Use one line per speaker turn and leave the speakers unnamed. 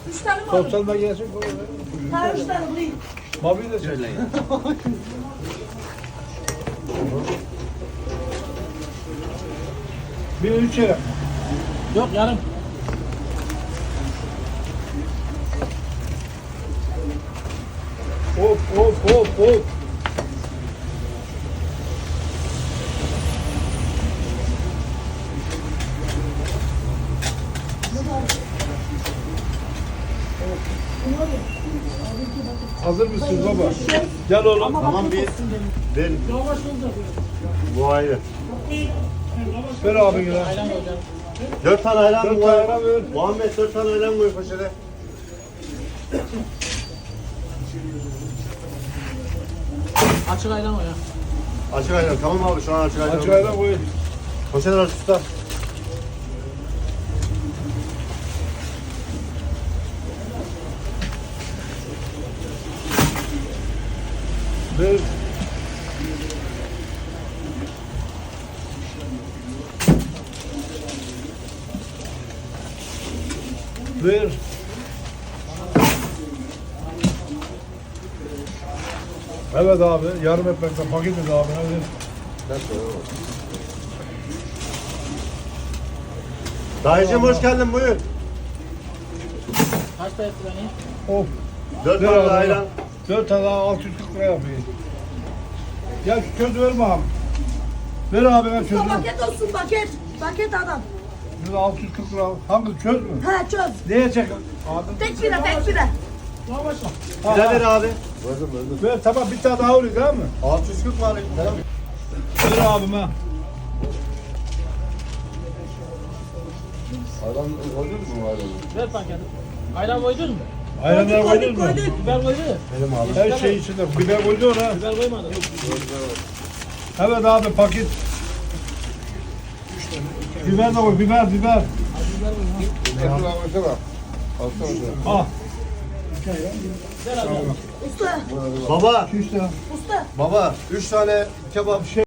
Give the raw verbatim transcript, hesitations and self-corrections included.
Üç tane mi aldın?
Sosyal gelsin.
Ha üç tane bulayım.
Mavi de söyleyin. Bir üç yere.
Yok yarım.
Hop hop hop hop. Hazır mısınız baba? Gel oğlum.
Tamam bir ver. Bu ayrı.
Ver abi gel.
Dört tane ayran
Dört
koy.
tane ayran ver.
Muhammed dört tane ayran koy poşete.
Açık ayran o ya.
Açık ayran. Tamam abi şu an açık ayran.
Açık ayran koy.
Poşet aç usta.
Ver. Ver. Evet abi, yarım ekmekten paket et abi. Hadi.
Dayıcım hoş geldin buyur.
Kaç da etti beni?
Of.
Dört
Ver
tane
abi.
ayran.
Dört tane daha altı yüz kırk lira yapayım. Ya şu çöz verme abi. Ver abi ben çözüm.
Usta paket olsun paket. Paket adam.
Şurada altı yüz kırk lira. Hangi çöz mü?
Ha çöz.
Neye çek? Abi.
Tek bira tek bira.
Ha,
Bize
ha.
ver abi.
Ver tamam bir tane daha oluyor değil mi?
altı yüz kırk var. Tamam.
Ver abime.
Ayran koydun mu ayranı?
Ver paketi. Ayran koydun mu?
Ayranlar
Koyduk
koydun mu?
koyduk.
Biber koydu.
Benim abi.
Her şey içinde. Biber koydu ona.
Biber koymadı.
Evet abi paket. Biber de koy. Biber biber.
Ekran koysana. Alsana şunu.
Ah.
Usta.
Baba.
Şu işte.
Usta.
Baba. Üç tane kebap.
Şey